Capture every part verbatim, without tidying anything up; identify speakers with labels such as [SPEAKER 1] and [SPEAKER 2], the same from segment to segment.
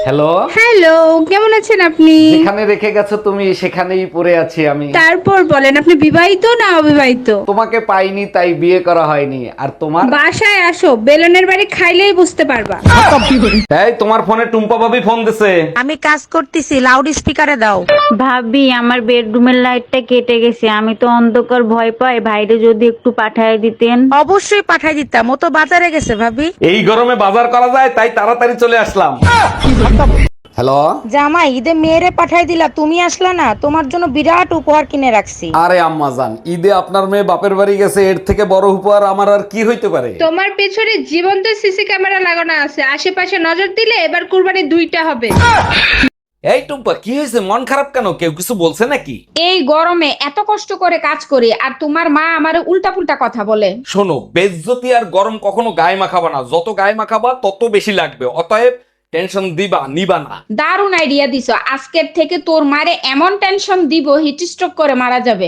[SPEAKER 1] Hello.
[SPEAKER 2] Hello, কেমন আছেন আপনি?
[SPEAKER 1] যেখানে রেখে গেছো তুমি সেখানেই পড়ে আছি আমি।
[SPEAKER 2] তারপর বলেন, আপনি বিবাহিত না অবিবাহিত?
[SPEAKER 1] তোমাকে পাইনি তাই বিয়ে করা হয়নি। আর তোমার?
[SPEAKER 2] বাসায় আসো, বেলনের বাড়ি খাইলেই বুঝতে পারবা।
[SPEAKER 1] এই তোমার ফোনে টুম্পা ভাবি ফোন দিছে।
[SPEAKER 3] আমি কাজ করতেছি, লাউড স্পিকারে দাও।
[SPEAKER 4] ভাবি আমার বেডরুমের লাইটটা কেটে গেছে, আমি তো অন্ধকার ভয় পাই, ভাইরে যদি একটু পাঠায় দিতেন।
[SPEAKER 3] অবশ্যই পাঠাই দিতাম, ও তো বাজারে গেছে ভাবি।
[SPEAKER 1] এই গরমে বাজার করা যায় তাই তাড়াতাড়ি চলে আসলাম। হ্যালো।
[SPEAKER 3] জামাই, ঈদে মেয়েরে পাঠাই দিলা, তুমি আসলা না। তোমার জন্য বিরাট উপহার কিনে রাখছি।
[SPEAKER 1] আরে আম্মা জান, ঈদে আপনার মেয়ে বাপের বাড়ি গেছে, এর থেকে বড় উপহার আমার আর কি হইতে পারে?
[SPEAKER 2] তোমার পেছনে জীবন্ত সিসি ক্যামেরা লাগানো আছে, আশেপাশে নজর দিলে এবার কুরবানি দুইটা হবে।
[SPEAKER 1] এই টুম্পা, কি হয়েছে? মন খারাপ কেন? কেউ কিছু বলছে নাকি?
[SPEAKER 2] এই গরমে এত কষ্ট করে কাজ করি আর তোমার মা আমারে উল্টা পুল্টা কথা বলে।
[SPEAKER 1] শোনো, বেজ্জতি আর গরম কখনো গায়ে মাখাবা না। যত গায়ে মাখাবা তত বেশি লাগবে। অতএব টেনশন দিবা নিবা না।
[SPEAKER 2] দারুণ আইডিয়া দিছো, আজকের থেকে তোর মারে এমন টেনশন দিব হিট স্ট্রোক করে মারা যাবে।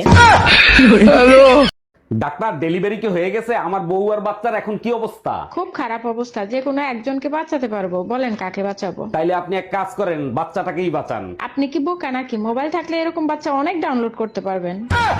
[SPEAKER 1] ডাক্তার, ডেলিভারি কি হয়ে গেছে? আমার বউ আর বাচ্চার এখন কি অবস্থা?
[SPEAKER 5] খুব খারাপ অবস্থা, যে কোনো একজনকে বাঁচাতে পারবো, বলেন কাকে বাঁচাবো?
[SPEAKER 1] তাইলে আপনি এক কাজ করেন, বাচ্চাটাকেই বাঁচান।
[SPEAKER 5] আপনি কি বোকা নাকি? মোবাইল থাকলে এরকম বাচ্চা অনেক ডাউনলোড করতে পারবেন।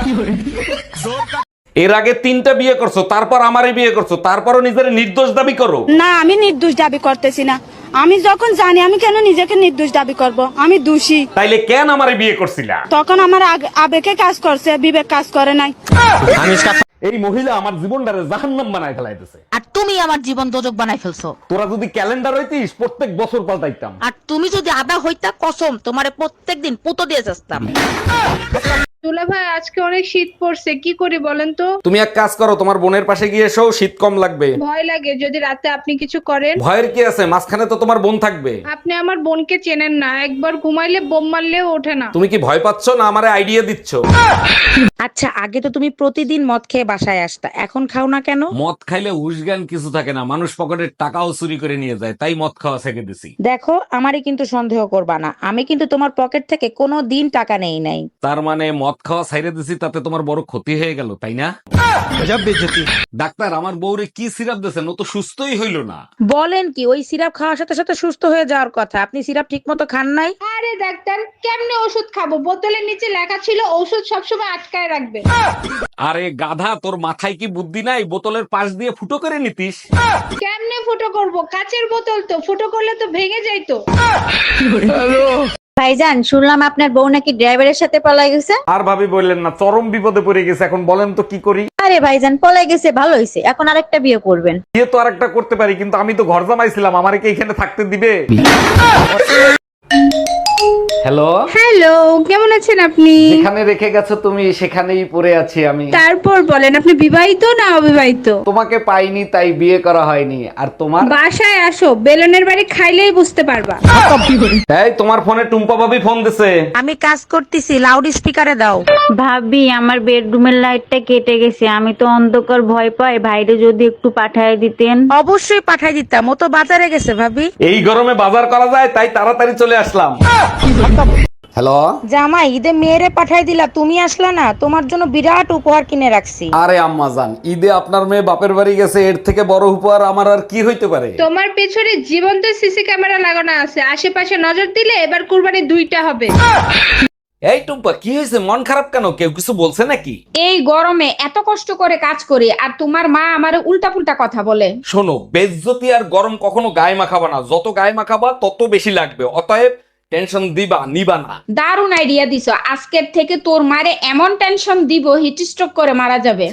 [SPEAKER 1] এর আগে তিনটা বিয়ে করছো, তারপর আমারই বিয়ে করছো, তারপরও নিজের নির্দোষ দাবি করো।
[SPEAKER 6] না, আমি নির্দোষ দাবি করতেছি না। আমি যখন জানি, আমি কেন নিজেকে নির্দোষ দাবি করব? আমি দোষী।
[SPEAKER 1] তাইলে কেন আমারই বিয়ে করছিলা?
[SPEAKER 6] তখন আমার আগ- আবেগে কাজ করছে, বিবেক কাজ করে নাই।
[SPEAKER 1] এই মহিলা আমার জীবনটারে জাহান্নাম বানায় ফেলাইতেছে।
[SPEAKER 3] আর তুমি আমার জীবন দোজক বানাই ফেলছো।
[SPEAKER 1] তোরা যদি ক্যালেন্ডার হইতিস প্রত্যেক বছর পাল্টাইতাম।
[SPEAKER 3] আর তুমি যদি আদা হইতা, কসম তোমারে প্রত্যেকদিন পুতো দিয়ে যাস্তাম।
[SPEAKER 2] দুলা ভাই, আজকে অনেক শীত পড়ছে, কি করি বলেন তো?
[SPEAKER 1] তুমি এক কাজ করো, তোমার বোনের পাশে গিয়ে এসো, শীত কম লাগবে।
[SPEAKER 2] ভয় লাগে যদি রাতে আপনি কিছু করেন।
[SPEAKER 1] ভয়ের কি আছে? মাঝখানে তো তোমার বোন থাকবে।
[SPEAKER 2] আপনি আমার বোনকে চেনেন না, একবার ঘুমাইলে বোম মারলেও ওঠে না।
[SPEAKER 1] তুমি কি ভয় পাচ্ছ না আমারে আইডিয়া দিচ্ছ?
[SPEAKER 3] আচ্ছা, আগে তো তুমি প্রতিদিন মদ খেয়ে বাসায় আসতা, এখন খাও না কেন?
[SPEAKER 1] মদ খাইলে উসগান কিছু থাকে না, মানুষ পকেটের টাকাও চুরি করে নিয়ে যায়, তাই মদ খাওয়া ছেড়ে দিছি।
[SPEAKER 3] দেখো, আমারই কিন্তু সন্দেহ করবা না, আমি কিন্তু তোমার পকেট থেকে কোনো দিন টাকা নেই নাই।
[SPEAKER 1] তার মানে মদ খাওয়া ছাইরে দিছি, তাতে তোমার বড় ক্ষতি হয়ে গেল, তাই না? ডাক্তার, আমার বউরে কি সিরাপ দিয়েছেন? ও তো সুস্থই হইল না।
[SPEAKER 3] বলেন কি, ওই সিরাপ খাওয়ার সাথে সাথে সুস্থ হয়ে যাওয়ার কথা। আপনি সিরাপ ঠিক মতো খান নাই।
[SPEAKER 2] আরে ডাক্তার, কেমনে ওষুধ খাবো? বোতলের নিচে লেখা ছিল ওষুধ সবসময় আটকায় রাখবে।
[SPEAKER 1] আরে গাধা, তোর মাথায় কি বুদ্ধি নাই? বোতলের পাশ দিয়ে ফুটো করে নিতিস।
[SPEAKER 2] কেমনে ফুটো করব? কাচের বোতল তো, ফুটো করলে তো ভেঙে যাইতো।
[SPEAKER 4] ভাইজান, শুনলাম আপনার বউ নাকি ড্রাইভারের সাথে পলাই গেছে।
[SPEAKER 1] আর ভাবি বললেন না, চরম বিপদে পড়ে গেছে। এখন বলেন তো কি করি?
[SPEAKER 4] আরে ভাইজান, পলাই গেছে ভালো হয়েছে, এখন আরেকটা বিয়ে করবেন।
[SPEAKER 1] বিয়ে তো আরেকটা করতে পারি, কিন্তু আমি তো ঘর জামাইছিলাম, আমারে কি এখানে থাকতে দিবে? হ্যালো।
[SPEAKER 2] হ্যালো, কেমন আছেন আপনি?
[SPEAKER 1] যেখানে রেখে গেছো তুমি সেখানেই পড়ে আছি আমি।
[SPEAKER 2] তারপর বলেন, আপনি বিবাহিত না অবিবাহিত?
[SPEAKER 1] তোমাকে পাইনি তাই বিয়ে করা হয়নি। আর তোমার?
[SPEAKER 2] বাসায় আসো, বেলনের বাড়ি খাইলেই বুঝতে পারবা।
[SPEAKER 1] এই তোমার ফোনে টুম্পা ভাবি ফোন দিছে।
[SPEAKER 3] আমি কাজ করতেছি, লাউড স্পিকারে দাও।
[SPEAKER 4] ভাবি আমার বেডরুমের লাইটটা কেটে গেছে, আমি তো অন্ধকার ভয় পাই, ভাইরে যদি একটু পাঠায় দিতেন।
[SPEAKER 3] অবশ্যই পাঠাই দিতাম, ও তো বাজারে গেছে ভাবি।
[SPEAKER 1] এই গরমে বাজার করা যায় তাই তাড়াতাড়ি চলে আসলাম। হ্যালো।
[SPEAKER 3] জামাই, ঈদে মেয়েরে পাঠাই দিলা, তুমি আসলা না। তোমার জন্য বিরাট উপহার কিনে রাখছি।
[SPEAKER 1] আরে আম্মা জান, ঈদে আপনার মেয়ে বাপের বাড়ি গেছে, এর থেকে বড় উপহার আমার আর কি হইতে পারে?
[SPEAKER 2] তোমার পেছনে জীবন্ত সিসি ক্যামেরা লাগানো আছে, আশেপাশে নজর দিলে এবার কুরবানি দুইটা হবে।
[SPEAKER 1] এই টুম্পা, কি হয়েছে? মন খারাপ কেন? কেউ কিছু বলছে নাকি?
[SPEAKER 2] এই গরমে এত কষ্ট করে কাজ করি আর তোমার মা আমারে উল্টা পুল্টা কথা বলে।
[SPEAKER 1] শোনো, বেজ্জতি আর গরম কখনো গায়ে মাখাবা না। যত গায়ে মাখাবা তত বেশি লাগবে। অতএব টেনশন দিবা নিবা না।
[SPEAKER 2] দারুণ আইডিয়া দিছো, আজকের থেকে তোর মারে এমন টেনশন দিব হিট স্ট্রোক করে মারা যাবে।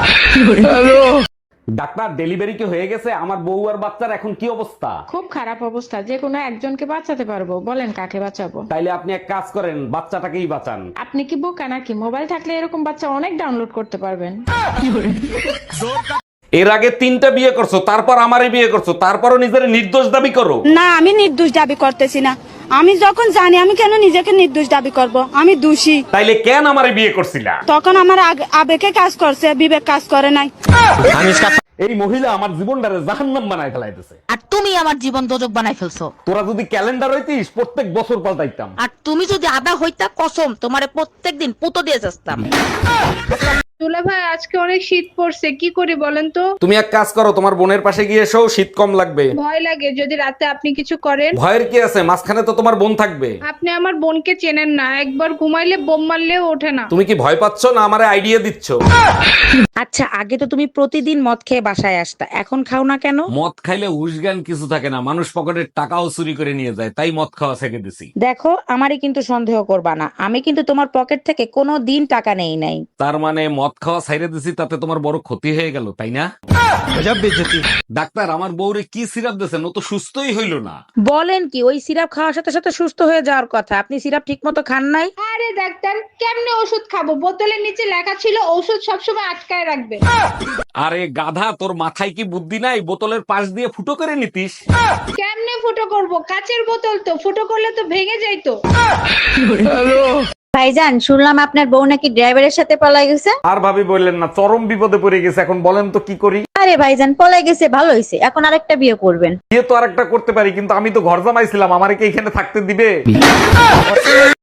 [SPEAKER 1] ডাক্তার, ডেলিভারি কি হয়ে গেছে? আমার বউ আর বাচ্চার এখন কি অবস্থা?
[SPEAKER 5] খুব খারাপ অবস্থা, যে কোনো একজনকে বাঁচাতে পারবো, বলেন কাকে বাঁচাবো?
[SPEAKER 1] তাইলে আপনি এক কাজ করেন, বাচ্চাটাকেই বাঁচান।
[SPEAKER 5] আপনি কি বোকা নাকি? মোবাইল থাকলে এরকম বাচ্চা অনেক ডাউনলোড করতে পারবেন।
[SPEAKER 1] এর আগে তিনটা বিয়ে করছো, তারপর আমারই বিয়ে করছো, তারপরও নিজের নির্দোষ দাবি করো।
[SPEAKER 6] না, আমি নির্দোষ দাবি করতেছি না। আমি যখন জানি, আমি কেন নিজেকে নির্দোষ দাবি করব? আমি দোষী।
[SPEAKER 1] তাইলে কেন আমারে বিয়ে করছিলা?
[SPEAKER 6] তখন আমার আগ- আবেগে কাজ করছে, বিবেক কাজ করে নাই।
[SPEAKER 1] এই মহিলা আমার জীবনটারে জাহান্নাম বানায় ফেলাইতেছে।
[SPEAKER 3] আর তুমি আমার জীবন দোজক বানাই ফেলছো।
[SPEAKER 1] তোরা যদি ক্যালেন্ডার হইতিস প্রত্যেক বছর পাল্টাইতাম।
[SPEAKER 3] আর তুমি যদি আদা হইতা, কসম তোমারে প্রত্যেকদিন পুতো দিয়ে যাস্তাম।
[SPEAKER 2] দুলা ভাই আজকে অনেক শীত পড়ছে, কি করি বলেন তো?
[SPEAKER 1] তুমি এক কাজ করো, তোমার বোনের পাশে গিয়ে এসো, শীত কম লাগবে।
[SPEAKER 2] ভয় লাগে যদি রাতে আপনি কিছু করেন।
[SPEAKER 1] ভয়ের কি আছে, মাঝখানে তো তোমার বোন থাকবে।
[SPEAKER 2] আপনি আমার বোনকে চেনেন না, একবার ঘুমাইলে বোম মারলেও ওঠে না।
[SPEAKER 1] তুমি কি ভয় পাচ্ছ না আমারে আইডিয়া দিচ্ছ?
[SPEAKER 3] আচ্ছা, আগে তো তুমি প্রতিদিন মদ খেয়ে বাসায় আসতা, এখন খাও না কেন?
[SPEAKER 1] মদ খাইলে উসগান কিছু থাকে না, মানুষ পকেটের টাকাও চুরি করে নিয়ে যায়, তাই মদ খাওয়া ছেড়ে দিছি।
[SPEAKER 3] দেখো, আমারই কিন্তু সন্দেহ করবা না, আমি কিন্তু তোমার পকেট থেকে কোনো দিন টাকা নেই নাই।
[SPEAKER 1] তার মানে মদ খাওয়া ছাইরে দিছি, তাতে তোমার বড় ক্ষতি হয়ে গেল, তাই না? ডাক্তার, আমার বউরে কি সিরাপ দিয়েছেন, ও তো সুস্থই হইল না।
[SPEAKER 3] বলেন কি, ওই সিরাপ খাওয়ার সাথে সাথে সুস্থ হয়ে যাওয়ার কথা, আপনি সিরাপ ঠিক মতো খান নাই।
[SPEAKER 2] আরে ডাক্তার, কেমনে ওষুধ খাবো? বোতলের নিচে লেখা ছিল ওষুধ সবসময় আটকায় রাখবে।
[SPEAKER 1] আরে গাধা, তোর মাথায় কি বুদ্ধি নাই? বোতলের পাশ দিয়ে ফুটো করে নিতিস।
[SPEAKER 2] কেমনে ফুটো করব? কাচের বোতল তো, ফুটো করলে তো ভেঙে যাইতো।
[SPEAKER 4] ভাইজান, শুনলাম আপনার বউ নাকি ড্রাইভারের সাথে পলাই গেছে।
[SPEAKER 1] আর ভাবি বললেন না, চরম বিপদে পড়ে গেছে, এখন বলেন তো কি করি?
[SPEAKER 4] আরে ভাইজান, পলাই গেছে ভালো হয়েছে, এখন আরেকটা বিয়ে করবেন।
[SPEAKER 1] বিয়ে তো আরেকটা করতে পারি, কিন্তু আমি তো ঘর জামাইছিলাম, আমারে কি এখানে থাকতে দিবে?